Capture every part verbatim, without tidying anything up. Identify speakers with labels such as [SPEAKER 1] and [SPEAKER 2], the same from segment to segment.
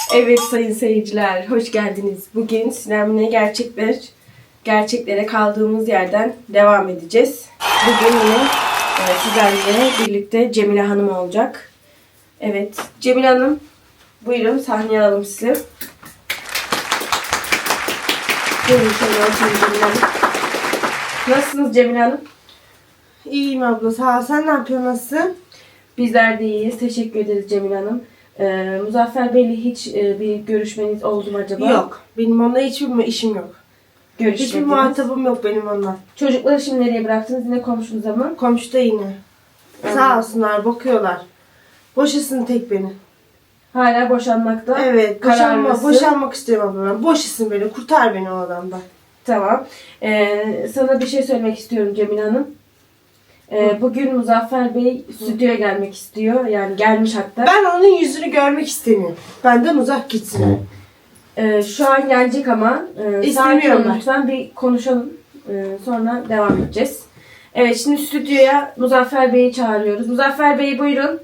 [SPEAKER 1] Evet sayın seyirciler, hoş geldiniz. Bugün Sinem'le gerçekler, gerçeklere kaldığımız yerden devam edeceğiz. Bugün yine e, sizlerle birlikte Cemile Hanım olacak. Evet, Cemile Hanım, buyurun sahneye alalım sizi. Buyurun şöyle oturun Cemile Hanım. Nasılsınız Cemile Hanım?
[SPEAKER 2] İyiyim abla, sağ ol. Sen ne yapıyorsun, nasılsın?
[SPEAKER 1] Bizler de iyiyiz, teşekkür ederiz Cemile Hanım. Ee, Muzaffer Bey'le hiç e, bir görüşmeniz oldu mu acaba?
[SPEAKER 2] Yok, benim onunla hiçbir işim yok. Hiçbir
[SPEAKER 1] Görüşmediniz.
[SPEAKER 2] muhatabım yok benim onunla.
[SPEAKER 1] Çocukları şimdi nereye bıraktınız? Yine komşunuz ama.
[SPEAKER 2] Komşuda yine. Sağ olsunlar, bakıyorlar. Boşasın tek beni.
[SPEAKER 1] Hala boşanmakta.
[SPEAKER 2] Evet, boşanma,
[SPEAKER 1] kararlısın.
[SPEAKER 2] boşanmak istiyorum abla ben. Boşasın beni, kurtar beni o adamdan.
[SPEAKER 1] Tamam. Ee, sana bir şey söylemek istiyorum Cemile Hanım. Ee, bugün Muzaffer Bey stüdyoya gelmek istiyor. Yani gelmiş hatta.
[SPEAKER 2] Ben onun yüzünü görmek istemiyorum. Benden uzak gitsin.
[SPEAKER 1] Ee, şu an gelecek ama. E,
[SPEAKER 2] İstemiyorum
[SPEAKER 1] sakin olun
[SPEAKER 2] ben.
[SPEAKER 1] lütfen. Bir konuşalım. Ee, sonra devam edeceğiz. Evet, şimdi stüdyoya Muzaffer Bey'i çağırıyoruz. Muzaffer Bey buyurun.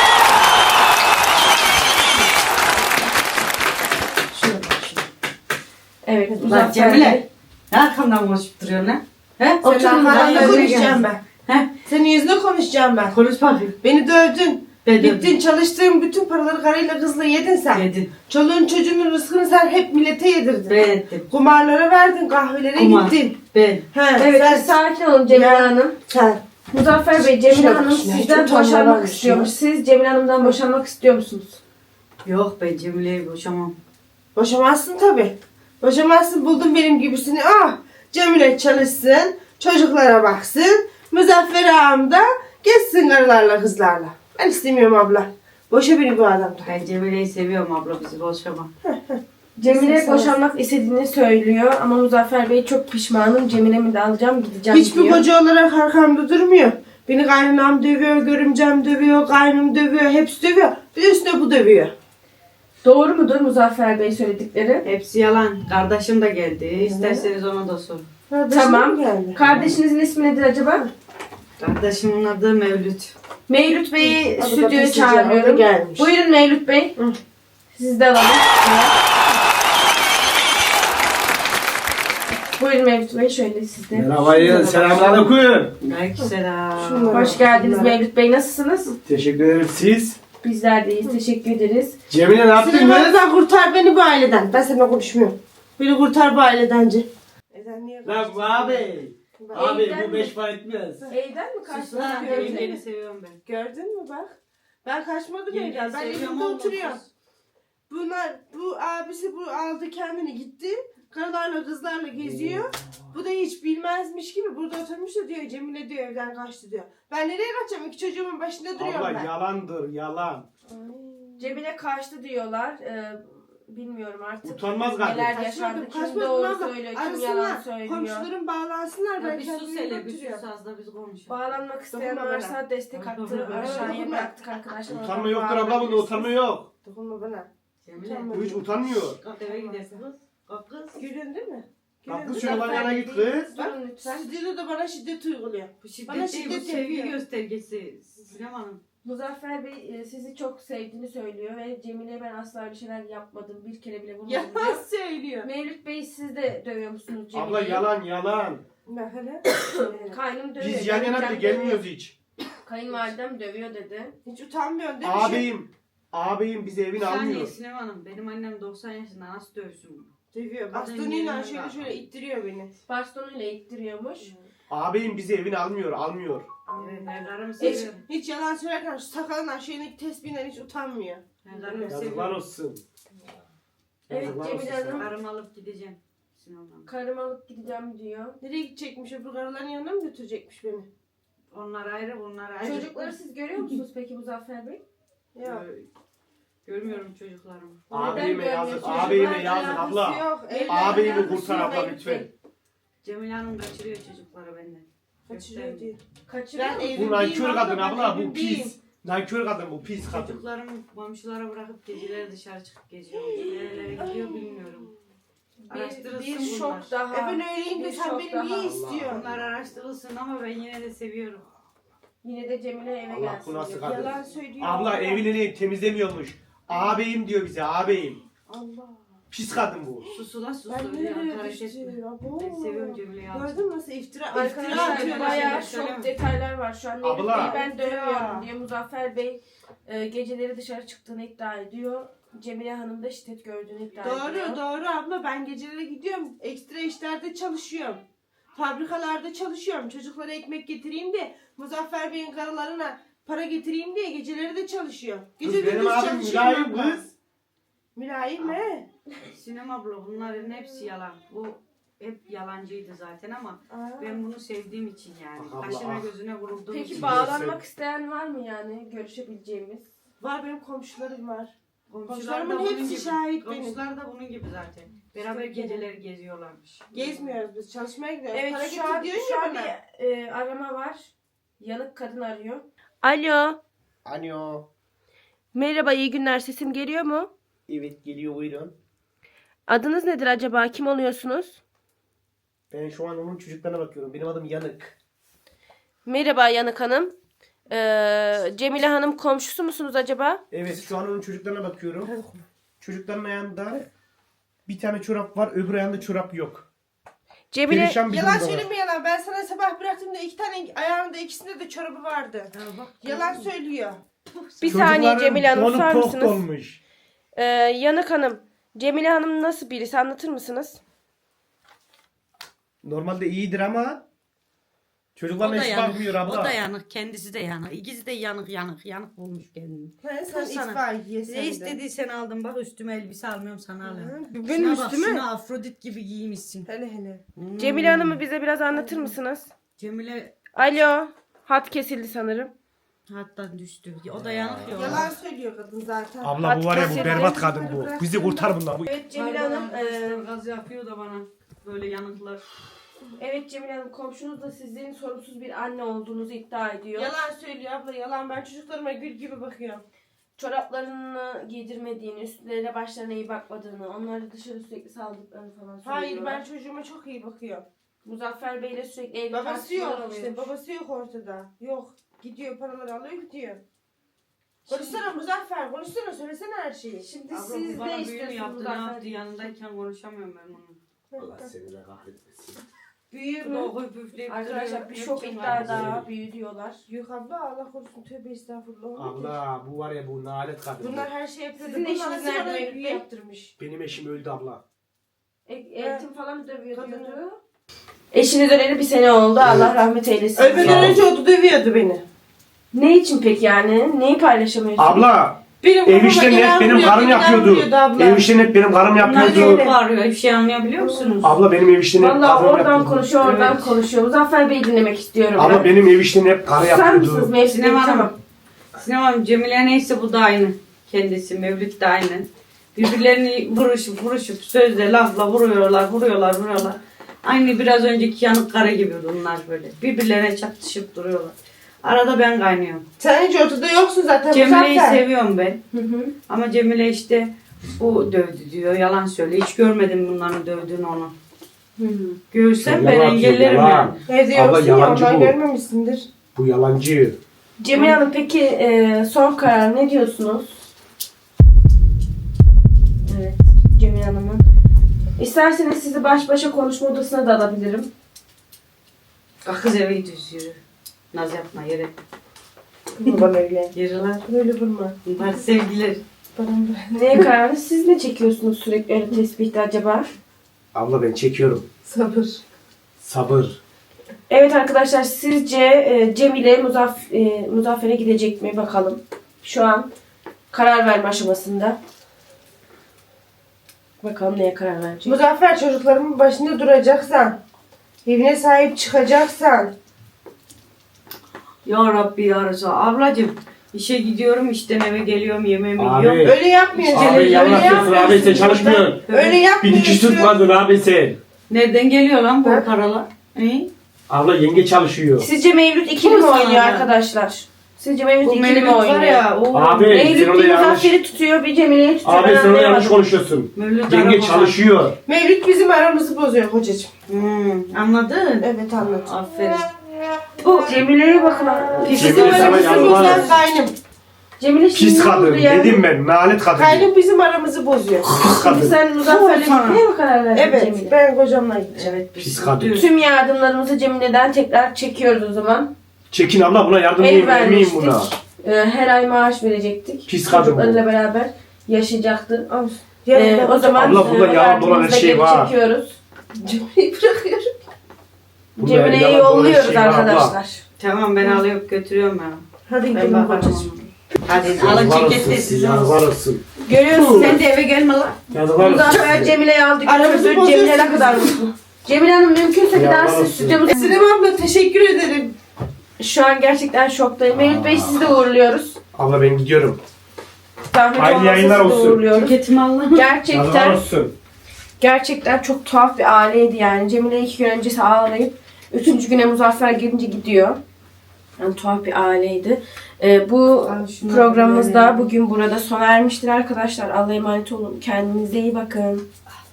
[SPEAKER 2] Şuna bak şuna.
[SPEAKER 1] Evet,
[SPEAKER 3] Ulan
[SPEAKER 1] Muzaffer
[SPEAKER 3] Cemile,
[SPEAKER 1] Bey.
[SPEAKER 3] ne arkamdan konuşup duruyorsun lan? He?
[SPEAKER 2] Senin
[SPEAKER 1] Oturun
[SPEAKER 2] arkandan
[SPEAKER 1] zaten.
[SPEAKER 2] konuşacağım ben.
[SPEAKER 3] He?
[SPEAKER 2] Senin yüzüne konuşacağım ben.
[SPEAKER 3] Konuş bakayım.
[SPEAKER 2] Beni dövdün.
[SPEAKER 3] Ben
[SPEAKER 2] Gittin
[SPEAKER 3] dövdüm.
[SPEAKER 2] çalıştığın bütün paraları karıyla kızla yedin sen.
[SPEAKER 3] Yedin.
[SPEAKER 2] Çoluğun çocuğunun rızkını sen hep millete yedirdin.
[SPEAKER 3] Ben ettim.
[SPEAKER 2] Kumarlara verdin, kahvelere
[SPEAKER 3] Kumar.
[SPEAKER 2] gittin.
[SPEAKER 3] Ben.
[SPEAKER 2] He,
[SPEAKER 1] Evet,
[SPEAKER 2] sen,
[SPEAKER 1] bir sakin olun Cemile
[SPEAKER 2] Ya.
[SPEAKER 1] Hanım.
[SPEAKER 2] sen.
[SPEAKER 1] Muzaffer Bey, Cemile
[SPEAKER 2] Şuna bak
[SPEAKER 1] Hanım
[SPEAKER 2] şuna,
[SPEAKER 1] sizden
[SPEAKER 2] hiç utanmadan
[SPEAKER 1] boşanmak
[SPEAKER 2] konuşuyor.
[SPEAKER 1] istiyormuş. Siz Cemile Hanım'dan boşanmak istiyor musunuz?
[SPEAKER 3] Yok, ben Cemile'yi boşamam.
[SPEAKER 2] Boşamazsın tabii. Boşamazsın, buldun benim gibisini. Ah, Cemile çalışsın, çocuklara baksın. Muzaffer ağam da gezsin karılarla kızlarla. Ben istemiyorum abla. Boşa beni bu adamdan.
[SPEAKER 3] Ben Cemile'yi seviyorum abla, bizi boşamam.
[SPEAKER 1] Cemile
[SPEAKER 2] Kesin
[SPEAKER 1] boşanmak istediğini söylüyor ama Muzaffer Bey çok pişmanım. Cemile'mi de alacağım, gideceğim
[SPEAKER 2] Hiçbir
[SPEAKER 1] diyor.
[SPEAKER 2] koca olarak arkamda durmuyor. Beni kaynanam dövüyor, görümcem dövüyor, kaynım dövüyor, hepsi dövüyor. Bir de üstüne bu dövüyor.
[SPEAKER 1] Doğru mudur Muzaffer Bey söyledikleri?
[SPEAKER 3] Hepsi yalan. Kardeşim de geldi. İsterseniz ona da sorun.
[SPEAKER 1] Tamam.
[SPEAKER 2] Geldi.
[SPEAKER 1] Kardeşinizin ismi nedir acaba?
[SPEAKER 3] Kardeşimin adı Mevlüt.
[SPEAKER 1] Mevlüt Bey'i
[SPEAKER 2] Adı da
[SPEAKER 1] stüdyoya
[SPEAKER 2] Pisici, o da
[SPEAKER 1] çağırıyorum.
[SPEAKER 2] gelmiş.
[SPEAKER 1] Buyurun Mevlüt Bey.
[SPEAKER 2] Hı.
[SPEAKER 1] Siz de alalım. Buyurun Mevlüt Bey, şöyle siz de.
[SPEAKER 4] Merhaba, selamünaleyküm.
[SPEAKER 3] Aleykümselam.
[SPEAKER 2] Şunlara
[SPEAKER 1] Hoş
[SPEAKER 2] bak,
[SPEAKER 1] geldiniz
[SPEAKER 2] şunlara.
[SPEAKER 1] Mevlüt Bey, nasılsınız?
[SPEAKER 4] Teşekkür ederim. Siz?
[SPEAKER 1] Bizler de iyiyiz, teşekkür ederiz.
[SPEAKER 4] Cemile ne yaptınız?
[SPEAKER 2] Süleyman'dan kurtar beni bu aileden. Ben seninle konuşmuyorum. Beni kurtar bu ailedence. Eden niye
[SPEAKER 4] Lan bu abi. Abi bu beş para etmez.
[SPEAKER 1] Evden mi
[SPEAKER 3] Sus
[SPEAKER 1] kaçtınız?
[SPEAKER 3] lan,
[SPEAKER 1] Gördün
[SPEAKER 3] yengeni
[SPEAKER 1] mü?
[SPEAKER 3] seviyorum ben.
[SPEAKER 2] Gördün mü bak. Ben kaçmadım
[SPEAKER 3] Yengeni
[SPEAKER 2] evden. Ben
[SPEAKER 3] seviyorum
[SPEAKER 2] evimde
[SPEAKER 3] oğlum,
[SPEAKER 2] oturuyorum.
[SPEAKER 3] sus.
[SPEAKER 2] Bunlar, bu abisi bu aldı kendini gitti. Karılarla kızlarla geziyor. Bu da hiç bilmezmiş gibi burada oturmuş da diyor Cemile diyor evden kaçtı diyor. Ben nereye kaçacağım? İki çocuğumun başında duruyorum
[SPEAKER 4] Abla
[SPEAKER 2] ben.
[SPEAKER 4] yalandır yalan.
[SPEAKER 1] Cemile kaçtı diyorlar. Ee, bilmiyorum artık.
[SPEAKER 4] Utanmaz kadın.
[SPEAKER 1] Neler
[SPEAKER 2] Kaçmadım,
[SPEAKER 1] yaşandı, kim
[SPEAKER 2] kaçmadım
[SPEAKER 1] doğru
[SPEAKER 2] abla.
[SPEAKER 1] söylüyor, kim yalan
[SPEAKER 2] Arasınlar,
[SPEAKER 1] söylüyor.
[SPEAKER 2] komşularım bağlansınlar.
[SPEAKER 3] Ya
[SPEAKER 2] Ben
[SPEAKER 3] bir sus
[SPEAKER 2] kendim
[SPEAKER 3] hele, bir
[SPEAKER 2] oturuyorum.
[SPEAKER 3] sus az da biz konuşalım.
[SPEAKER 1] Bağlanmak isteyen
[SPEAKER 2] Dokunma
[SPEAKER 1] varsa
[SPEAKER 2] bana.
[SPEAKER 1] destek attı.
[SPEAKER 3] Dokunma bana.
[SPEAKER 1] Aşağıya
[SPEAKER 2] Dokunma.
[SPEAKER 1] bıraktık arkadaşlar.
[SPEAKER 4] Utanma yoktur abla bunda, utanma yok.
[SPEAKER 2] Dokunma bana.
[SPEAKER 3] Cemile.
[SPEAKER 4] Bu hiç utanmıyor.
[SPEAKER 3] Kalk eve gidersin kız. Kalk kız.
[SPEAKER 2] Görüyorsun değil mi?
[SPEAKER 4] Bak kız
[SPEAKER 2] Görüyorsun
[SPEAKER 4] şöyle
[SPEAKER 2] değil mi?
[SPEAKER 4] bana yana git kız.
[SPEAKER 1] Durun lütfen.
[SPEAKER 2] Stüdyoda da bana şiddet uyguluyor.
[SPEAKER 3] Bu şiddet
[SPEAKER 2] Bana
[SPEAKER 3] değil, bu
[SPEAKER 2] şiddet
[SPEAKER 3] sevgi
[SPEAKER 2] yapıyor.
[SPEAKER 3] göstergesi. Sinem Hanım.
[SPEAKER 1] Muzaffer Bey e, sizi çok sevdiğini söylüyor ve Cemile'ye ben asla bir şeyler yapmadım. Bir kere bile vurmadım
[SPEAKER 2] Yalan
[SPEAKER 1] diyor.
[SPEAKER 2] söylüyor.
[SPEAKER 1] Mevlüt Bey, siz de dövüyor musunuz Cemile'yi?
[SPEAKER 4] Abla yalan yalan.
[SPEAKER 2] Ben hele.
[SPEAKER 1] Kaynım dövüyor.
[SPEAKER 4] Biz yan yana bile
[SPEAKER 1] Cem
[SPEAKER 4] gelmiyoruz
[SPEAKER 1] dövüyor.
[SPEAKER 4] hiç.
[SPEAKER 1] Kayınvalidem dövüyor dedi.
[SPEAKER 2] Hiç utanmıyorsun değil mi?
[SPEAKER 4] Ağabeyim. Ağabeyim bizi evine
[SPEAKER 3] Bir saniye
[SPEAKER 4] almıyor.
[SPEAKER 3] Sinem Hanım. Benim annem doksan yaşında, nasıl dövsün bunu?
[SPEAKER 2] Dövüyor.
[SPEAKER 3] Kadın
[SPEAKER 2] Bastonuyla
[SPEAKER 3] yerine
[SPEAKER 2] şöyle
[SPEAKER 3] bak.
[SPEAKER 2] şöyle ittiriyor beni.
[SPEAKER 1] Bastonuyla ittiriyormuş.
[SPEAKER 4] Ağabeyim bizi evine almıyor, almıyor.
[SPEAKER 3] Evet, ben karımı
[SPEAKER 2] Hiç,
[SPEAKER 3] seviyorum.
[SPEAKER 2] hiç yalan söylerken şu sakalından şeyindeki tespihinden hiç utanmıyor.
[SPEAKER 3] Ben karımı
[SPEAKER 4] Yazıklar
[SPEAKER 3] seviyorum.
[SPEAKER 4] olsun.
[SPEAKER 1] Evet,
[SPEAKER 4] Yazıklar
[SPEAKER 1] Cemile
[SPEAKER 4] olsun
[SPEAKER 1] Hanım.
[SPEAKER 4] sana.
[SPEAKER 3] Karımı alıp gideceğim. Sinem Hanım.
[SPEAKER 1] Karımı alıp gideceğim diyor.
[SPEAKER 2] Nereye gidecekmiş? Öbür karıların yanına mı götürecekmiş beni?
[SPEAKER 3] Onlar ayrı, bunlar ayrı.
[SPEAKER 1] Çocukları siz görüyor musunuz peki Muzaffer Bey?
[SPEAKER 2] Yok.
[SPEAKER 3] Ee, Görmüyorum çocuklarımı.
[SPEAKER 4] Ağabeyime
[SPEAKER 1] Neden
[SPEAKER 4] yazık,
[SPEAKER 1] görmüyorsunuz?
[SPEAKER 4] ağabeyime
[SPEAKER 2] Ben
[SPEAKER 4] yazık
[SPEAKER 2] alakası
[SPEAKER 4] abla.
[SPEAKER 2] Yok. evlen-
[SPEAKER 4] Ağabeyimi
[SPEAKER 2] alakası
[SPEAKER 4] kurtar
[SPEAKER 2] yok.
[SPEAKER 4] abla
[SPEAKER 1] Mevlüt
[SPEAKER 4] lütfen.
[SPEAKER 1] Bey.
[SPEAKER 3] Cemile Hanım kaçırıyor çocukları benden.
[SPEAKER 2] Kaçırıyor diyor.
[SPEAKER 1] Kaçırıyor
[SPEAKER 2] Ben
[SPEAKER 1] mu?
[SPEAKER 2] evim
[SPEAKER 4] Bu nankör
[SPEAKER 2] değilim
[SPEAKER 4] kadın
[SPEAKER 2] abla, ben
[SPEAKER 4] abla, bu
[SPEAKER 2] evim değilim.
[SPEAKER 4] pis. Nankör kadın bu, pis kadın.
[SPEAKER 3] Çocuklarımı komşulara bırakıp geceleri dışarı çıkıp geziyorum. Nerelere gidiyor bilmiyorum.
[SPEAKER 1] Bir,
[SPEAKER 3] Araştırılsın
[SPEAKER 1] bir
[SPEAKER 3] bunlar.
[SPEAKER 1] şok daha.
[SPEAKER 2] E ben öyleyim de
[SPEAKER 1] Bir
[SPEAKER 2] sen
[SPEAKER 1] şok
[SPEAKER 2] beni
[SPEAKER 1] daha.
[SPEAKER 2] niye
[SPEAKER 4] Allah.
[SPEAKER 2] istiyorsun?
[SPEAKER 3] Bunlar araştırılsın ama ben yine de seviyorum.
[SPEAKER 1] Yine de Cemile eve
[SPEAKER 4] Allah
[SPEAKER 1] gelsin.
[SPEAKER 4] bu nasıl
[SPEAKER 1] diyor.
[SPEAKER 4] kadın?
[SPEAKER 2] Yalan söylüyor.
[SPEAKER 4] Abla evini temizlemiyormuş. Ağabeyim diyor bize, ağabeyim.
[SPEAKER 2] Allah.
[SPEAKER 4] Pis kadın bu.
[SPEAKER 3] Susula susula.
[SPEAKER 2] Ben
[SPEAKER 3] Ya,
[SPEAKER 2] nereye
[SPEAKER 3] karış etme.
[SPEAKER 2] düştü? Abo.
[SPEAKER 3] Ben seviyorum Cemile'yi.
[SPEAKER 2] Gördün mü nasıl iftira? iftira
[SPEAKER 1] Arkadaşlar
[SPEAKER 2] atıyorlar.
[SPEAKER 1] bayağı
[SPEAKER 3] Söyleme.
[SPEAKER 1] çok detaylar var şu an. Melih
[SPEAKER 4] Abla.
[SPEAKER 1] Bey ben dövüyorum
[SPEAKER 2] Ya.
[SPEAKER 1] diyor. Muzaffer Bey e, geceleri dışarı çıktığını iddia ediyor. Cemile Hanım da şiddet gördüğünü iddia ediyor.
[SPEAKER 2] Doğru doğru abla, ben geceleri gidiyorum, ekstra işlerde çalışıyorum. Fabrikalarda çalışıyorum. Çocuklara ekmek getireyim de Muzaffer Bey'in karılarına para getireyim diye geceleri de çalışıyorum.
[SPEAKER 4] Kız
[SPEAKER 2] Gece
[SPEAKER 4] benim
[SPEAKER 2] gündüz
[SPEAKER 4] abim
[SPEAKER 2] çalışıyorum
[SPEAKER 4] mülayim
[SPEAKER 2] abla.
[SPEAKER 4] kız.
[SPEAKER 2] Mülayim he?
[SPEAKER 3] Sinem abla bunların hepsi yalan. Bu hep yalancıydı zaten ama
[SPEAKER 2] Aa.
[SPEAKER 3] ben bunu sevdiğim için yani.
[SPEAKER 4] Ah abla,
[SPEAKER 3] Kaşına
[SPEAKER 4] ah.
[SPEAKER 3] gözüne vurulduğum
[SPEAKER 1] Peki
[SPEAKER 3] için.
[SPEAKER 1] bağlanmak isteyen var mı yani görüşebileceğimiz?
[SPEAKER 2] Var, benim komşularım var.
[SPEAKER 3] Komşular da
[SPEAKER 2] Komşularımın
[SPEAKER 3] bunun
[SPEAKER 2] hepsi
[SPEAKER 3] gibi.
[SPEAKER 2] şahit benim.
[SPEAKER 3] Komşular da bunun gibi zaten. Beraber geceleri geziyorlarmış.
[SPEAKER 2] Gezmiyoruz biz, çalışmaya gidiyoruz.
[SPEAKER 1] Evet
[SPEAKER 2] para
[SPEAKER 1] şu an,
[SPEAKER 2] getir diyorsun
[SPEAKER 1] şu
[SPEAKER 2] ya
[SPEAKER 1] an
[SPEAKER 2] bana.
[SPEAKER 1] bir e, arama var. Yanık kadın arıyor. Alo.
[SPEAKER 4] Alo.
[SPEAKER 1] Merhaba, iyi günler. Sesim geliyor mu?
[SPEAKER 4] Evet geliyor, buyurun.
[SPEAKER 1] Adınız nedir acaba? Kim oluyorsunuz?
[SPEAKER 4] Ben şu an onun çocuklarına bakıyorum. Benim adım Yanık.
[SPEAKER 1] Merhaba Yanık Hanım. Ee, Cemile Hanım komşusu musunuz acaba?
[SPEAKER 4] Evet şu an onun çocuklarına bakıyorum. Çocukların ayağında bir tane çorap var, öbür ayağında çorap yok.
[SPEAKER 1] Cemile
[SPEAKER 4] Perişan bir
[SPEAKER 2] Yalan
[SPEAKER 4] durumda var.
[SPEAKER 2] söyleme yalan. Ben sana sabah bıraktığımda iki tane ayağında ikisinde de çorabı vardı.
[SPEAKER 3] Ya bak,
[SPEAKER 2] Yalan söylüyor.
[SPEAKER 1] bir saniye
[SPEAKER 4] Çocukların
[SPEAKER 1] Cemile Hanım
[SPEAKER 4] donu
[SPEAKER 1] susar
[SPEAKER 4] tok
[SPEAKER 1] mısınız?
[SPEAKER 4] dolmuş.
[SPEAKER 1] Ee, Yanık Hanım, Cemile Hanım nasıl birisi anlatır mısınız?
[SPEAKER 4] Normalde iyidir ama
[SPEAKER 3] O
[SPEAKER 4] çocuklarına
[SPEAKER 3] da
[SPEAKER 4] hiç
[SPEAKER 3] yanık.
[SPEAKER 4] bakmıyor
[SPEAKER 3] O
[SPEAKER 4] abla.
[SPEAKER 3] da yanık. Kendisi de yanık. İkisi de yanık yanık. Yanık bulmuş kendini.
[SPEAKER 2] He, sen
[SPEAKER 3] Dur sana.
[SPEAKER 2] itfaiye
[SPEAKER 3] Ne
[SPEAKER 2] sen de.
[SPEAKER 3] istediysen aldım. Bak üstüme elbise almıyorum sana alıyorum.
[SPEAKER 2] Benim
[SPEAKER 3] Şuna bak,
[SPEAKER 2] üstüme.
[SPEAKER 3] şuna Afrodit gibi giymişsin.
[SPEAKER 2] Hele hele.
[SPEAKER 3] Hmm.
[SPEAKER 1] Cemile Hanım'ı bize biraz anlatır mısınız?
[SPEAKER 3] Cemile
[SPEAKER 1] Alo, hat kesildi sanırım.
[SPEAKER 3] hatta düştü. O da yanık ya.
[SPEAKER 2] Yalan söylüyor kadın zaten.
[SPEAKER 4] Abla bu var ya bu
[SPEAKER 1] Hadi
[SPEAKER 4] berbat
[SPEAKER 2] kesin.
[SPEAKER 4] kadın bu. Bizi kurtar bundan. Bu.
[SPEAKER 1] Evet Cemile Hanım, e,
[SPEAKER 3] Gaz yapıyor da bana. Böyle yanıklar.
[SPEAKER 1] evet Cemile Hanım komşunuz da sizin sorumsuz bir anne olduğunuzu iddia ediyor.
[SPEAKER 2] Yalan söylüyor abla, yalan. Ben çocuklarıma gül gibi bakıyorum.
[SPEAKER 1] Çoraplarını giydirmediğini, üstlerine başlarına iyi bakmadığını, onları dışarı sürekli saldıklarını falan söylüyorlar.
[SPEAKER 2] Hayır, ben çocuğuma çok iyi bakıyorum.
[SPEAKER 1] Muzaffer Bey'le sürekli evli
[SPEAKER 2] Babası
[SPEAKER 1] tartışmalar
[SPEAKER 2] yok
[SPEAKER 1] oluyormuş.
[SPEAKER 2] işte, babası yok ortada. Yok. Gidiyor, paraları alıyor gidiyor. Konuşsana Muzaffer, konuşsana, söylesene her şeyi.
[SPEAKER 1] Şimdi
[SPEAKER 3] Abla
[SPEAKER 1] siz
[SPEAKER 3] bu bana
[SPEAKER 1] ne
[SPEAKER 3] büyü mü
[SPEAKER 1] istiyorsunuz
[SPEAKER 3] yaptı, ne
[SPEAKER 1] Muzaffer
[SPEAKER 3] yaptı?
[SPEAKER 1] Bey?
[SPEAKER 3] Yanındayken konuşamıyorum ben bunu.
[SPEAKER 4] Allah seni de kahretmesin.
[SPEAKER 3] Büyüyüp de okuyup üfleyip
[SPEAKER 1] Arkadaşlar
[SPEAKER 3] duruyor.
[SPEAKER 1] birçok
[SPEAKER 3] Kim
[SPEAKER 1] iddia
[SPEAKER 3] var?
[SPEAKER 1] daha büyü diyorlar.
[SPEAKER 2] Yok abla, Allah korusun, tövbe estağfurullah.
[SPEAKER 4] Abla bu var ya bu nalet kadın.
[SPEAKER 2] Bunlar her şey yapıyor.
[SPEAKER 1] Sizin
[SPEAKER 2] Bunlar
[SPEAKER 1] eşiniz
[SPEAKER 2] nasıl
[SPEAKER 1] nerede
[SPEAKER 2] bana
[SPEAKER 1] Mevlüt
[SPEAKER 2] büyü
[SPEAKER 1] Bey?
[SPEAKER 2] yaptırmış.
[SPEAKER 4] Benim eşim öldü abla.
[SPEAKER 1] E, eltim falan mı dövüyor
[SPEAKER 2] Kadını.
[SPEAKER 1] diyordu. Eşiniz öleli bir sene oldu. Allah rahmet eylesin.
[SPEAKER 2] Ölmeden önce o da dövüyordu beni.
[SPEAKER 1] Ne için peki yani? Neyi paylaşamıyorsunuz?
[SPEAKER 4] Abla
[SPEAKER 2] Benim
[SPEAKER 4] ev
[SPEAKER 2] kafama
[SPEAKER 4] işlerini
[SPEAKER 2] gelen
[SPEAKER 4] hep benim
[SPEAKER 2] vuruyor,
[SPEAKER 4] karım
[SPEAKER 2] gelen
[SPEAKER 4] yapıyordu.
[SPEAKER 2] vuruyordu abla.
[SPEAKER 4] Ev işlerini hep benim karım
[SPEAKER 3] Bunlar
[SPEAKER 4] yapıyordu.
[SPEAKER 3] çok bağırıyor. Hiçbir şey anlayabiliyor musunuz?
[SPEAKER 4] Abla benim ev işlerini hep
[SPEAKER 1] Vallahi
[SPEAKER 4] karım
[SPEAKER 1] oradan
[SPEAKER 4] yapıyordu.
[SPEAKER 1] konuşuyor, oradan
[SPEAKER 3] Evet.
[SPEAKER 1] konuşuyor. Muzaffer Bey'i dinlemek istiyorum.
[SPEAKER 4] Abla
[SPEAKER 1] ben.
[SPEAKER 4] benim ev işlerini hep karı
[SPEAKER 1] Susar mısınız
[SPEAKER 4] yapıyordu.
[SPEAKER 1] Mevlüt Bey?
[SPEAKER 3] Sinema
[SPEAKER 1] Tamam.
[SPEAKER 3] Hanım. Sinema Cemile neyse bu da aynı. Kendisi Mevlüt de aynı. Birbirlerini vuruşup vuruşup sözle lafla vuruyorlar vuruyorlar vuruyorlar. Aynı biraz önceki yanık karı gibi bunlar böyle. Birbirlerine çatışıp duruyorlar. Arada ben kaynıyorum.
[SPEAKER 2] Sen hiç ortada yoksun zaten.
[SPEAKER 3] Cemile'yi
[SPEAKER 2] Muzaffer.
[SPEAKER 3] seviyorum ben.
[SPEAKER 1] Hı hı.
[SPEAKER 3] Ama Cemile işte bu dövdü diyor. Yalan söylüyor. Hiç görmedim bunların dövdüğünü onu.
[SPEAKER 1] Hı hı.
[SPEAKER 3] Görsem ben
[SPEAKER 4] Yalan atıyor,
[SPEAKER 3] engellerim
[SPEAKER 4] yalan.
[SPEAKER 3] yani.
[SPEAKER 2] Evde
[SPEAKER 4] Abla,
[SPEAKER 2] yoksun ya,
[SPEAKER 4] yalancı
[SPEAKER 2] ondan
[SPEAKER 4] bu.
[SPEAKER 2] görmemişsindir.
[SPEAKER 4] Bu yalancı.
[SPEAKER 1] Cemile Hanım peki e, son karar ne diyorsunuz? Evet Cemile Hanım'ın. İsterseniz sizi baş başa konuşma odasına da alabilirim.
[SPEAKER 3] Kalk kız eve gidiyoruz yürü. Naz yapma yere.
[SPEAKER 2] Vurma öyle.
[SPEAKER 3] Yürüler.
[SPEAKER 2] Böyle vurma.
[SPEAKER 3] Bunlar sevgiler.
[SPEAKER 2] Bana bırak.
[SPEAKER 1] Neye karar verdiniz? Siz ne çekiyorsunuz sürekli öyle tespihte acaba?
[SPEAKER 4] Abla ben çekiyorum.
[SPEAKER 2] Sabır.
[SPEAKER 4] Sabır.
[SPEAKER 1] Evet arkadaşlar sizce e, Cemile Muzaff e, Muzaffer'e gidecek mi bakalım. Şu an karar verme aşamasında. Bakalım neye karar verecek.
[SPEAKER 2] Muzaffer, çocuklarımın başında duracaksan, evine sahip çıkacaksan,
[SPEAKER 3] Ya Rabbi ya Resulallah. Ablacığım işe gidiyorum işten eve geliyorum yemeğimi
[SPEAKER 4] Abi.
[SPEAKER 3] yiyorum.
[SPEAKER 2] öyle yapmıyorsun.
[SPEAKER 4] Abi
[SPEAKER 2] öyle
[SPEAKER 4] yalan yapıyorsun abi, sen
[SPEAKER 2] yapmıyorsun.
[SPEAKER 4] çalışmıyorsun.
[SPEAKER 2] Öyle
[SPEAKER 4] Bir iki
[SPEAKER 2] yapmıyorsun.
[SPEAKER 4] tutmadın abi sen.
[SPEAKER 3] Nereden geliyor lan bu
[SPEAKER 2] Ha?
[SPEAKER 3] paralar? İyi.
[SPEAKER 4] Abla yenge çalışıyor.
[SPEAKER 1] Sizce Mevlüt ikili mi
[SPEAKER 3] Kim
[SPEAKER 1] oynuyor
[SPEAKER 3] sana?
[SPEAKER 1] arkadaşlar? Sizce Mevlüt
[SPEAKER 3] Bu
[SPEAKER 1] ikili mi
[SPEAKER 3] Mevlüt var
[SPEAKER 1] oynuyor?
[SPEAKER 3] ya. O
[SPEAKER 4] Abi sen
[SPEAKER 1] Mevlüt
[SPEAKER 4] orada
[SPEAKER 1] bir
[SPEAKER 4] yanlış.
[SPEAKER 1] Muzaffer'i tutuyor bir Cemile'yi tutuyor.
[SPEAKER 4] Abi
[SPEAKER 1] Ben
[SPEAKER 4] sen orada yanlış
[SPEAKER 1] anlayamadım.
[SPEAKER 4] konuşuyorsun.
[SPEAKER 3] Mevlüt
[SPEAKER 4] Yenge
[SPEAKER 3] araba-
[SPEAKER 4] çalışıyor.
[SPEAKER 2] Mevlüt bizim aramızı bozuyor kocacığım.
[SPEAKER 3] Hmm, anladın?
[SPEAKER 2] Evet, anladım.
[SPEAKER 3] Aferin.
[SPEAKER 1] Bu Cemile'ye bakın.
[SPEAKER 2] Bizim
[SPEAKER 4] Cemile sana
[SPEAKER 2] aramızı
[SPEAKER 4] yalvar.
[SPEAKER 2] bozan kaynım.
[SPEAKER 1] Cemile şimdi
[SPEAKER 4] Pis
[SPEAKER 1] ne
[SPEAKER 4] kadın
[SPEAKER 1] oldu ya?
[SPEAKER 4] dedim ben. Nalet kadın.
[SPEAKER 2] Kaynım bizim aramızı bozuyor.
[SPEAKER 4] Pis
[SPEAKER 1] Şimdi
[SPEAKER 4] kadın.
[SPEAKER 1] sen Muzaffer'le
[SPEAKER 3] Sana.
[SPEAKER 1] gitmeye mi karar verdin
[SPEAKER 2] Evet,
[SPEAKER 1] Cemile?
[SPEAKER 2] ben kocamla gideceğim.
[SPEAKER 3] Evet biz
[SPEAKER 4] Pis kadın.
[SPEAKER 3] gidiyoruz.
[SPEAKER 1] Tüm yardımlarımızı Cemile'den tekrar çekiyoruz o zaman.
[SPEAKER 4] Çekin abla buna yardım
[SPEAKER 1] Ev
[SPEAKER 4] edeyim vermeyeyim
[SPEAKER 1] vermiştik.
[SPEAKER 4] buna.
[SPEAKER 1] Ee, her ay maaş verecektik.
[SPEAKER 4] Pis kadın bu.
[SPEAKER 1] Çocuklarıyla beraber yaşayacaktı. Ama,
[SPEAKER 2] Yarın
[SPEAKER 1] ee,
[SPEAKER 2] da
[SPEAKER 1] o zaman
[SPEAKER 4] Abla, burada
[SPEAKER 1] e,
[SPEAKER 4] yalan dolan her
[SPEAKER 1] yardımımızı da
[SPEAKER 4] şey
[SPEAKER 1] geri
[SPEAKER 4] var.
[SPEAKER 1] çekiyoruz.
[SPEAKER 2] Cemile'yi bırakıyorum.
[SPEAKER 4] Bunda
[SPEAKER 1] Cemile'yi
[SPEAKER 4] yalan dolan
[SPEAKER 1] yolluyoruz
[SPEAKER 4] şey var abla.
[SPEAKER 1] arkadaşlar.
[SPEAKER 3] Tamam ben alıp götürüyorum ben.
[SPEAKER 2] Hadi
[SPEAKER 3] Ben
[SPEAKER 2] gidelim
[SPEAKER 3] bakarım
[SPEAKER 2] kocacığım.
[SPEAKER 3] ona. Hadi alın ceketi size olsun.
[SPEAKER 4] Yazıklar olsun.
[SPEAKER 1] Görüyorsun
[SPEAKER 3] Sen
[SPEAKER 1] sen
[SPEAKER 3] de eve gelme lan.
[SPEAKER 4] Yazıklar olsun.
[SPEAKER 1] Muzaffer Cemile'yi aldı
[SPEAKER 2] Aramızı
[SPEAKER 1] götürdü.
[SPEAKER 2] bozuyorsun.
[SPEAKER 1] Cemile ne kadar mutlu. Cemile Hanım mümkünse bir
[SPEAKER 4] Ya
[SPEAKER 1] daha
[SPEAKER 4] olsun.
[SPEAKER 1] siz stüdyomuza...
[SPEAKER 2] Sinem abla teşekkür ederim.
[SPEAKER 1] Şu an gerçekten şoktayım. Mevlüt Bey sizi de uğurluyoruz.
[SPEAKER 4] Abla ben gidiyorum.
[SPEAKER 1] Zahmet
[SPEAKER 4] Hayırlı
[SPEAKER 1] olmasa
[SPEAKER 4] yayınlar
[SPEAKER 1] sizi de
[SPEAKER 4] olsun.
[SPEAKER 1] uğurluyoruz.
[SPEAKER 3] Ceketimi al lan.
[SPEAKER 4] Yazıklar
[SPEAKER 1] Gerçekten
[SPEAKER 4] olsun.
[SPEAKER 1] gerçekten çok tuhaf bir aileydi yani. Cemile iki gün öncesi ağlayıp üçüncü güne Muzaffer gelince gidiyor. Yani tuhaf bir aileydi. Ee, bu
[SPEAKER 3] Al şunu
[SPEAKER 1] programımız da
[SPEAKER 3] yani.
[SPEAKER 1] bugün burada sona ermiştir arkadaşlar. Allah'a emanet olun. Kendinize iyi bakın.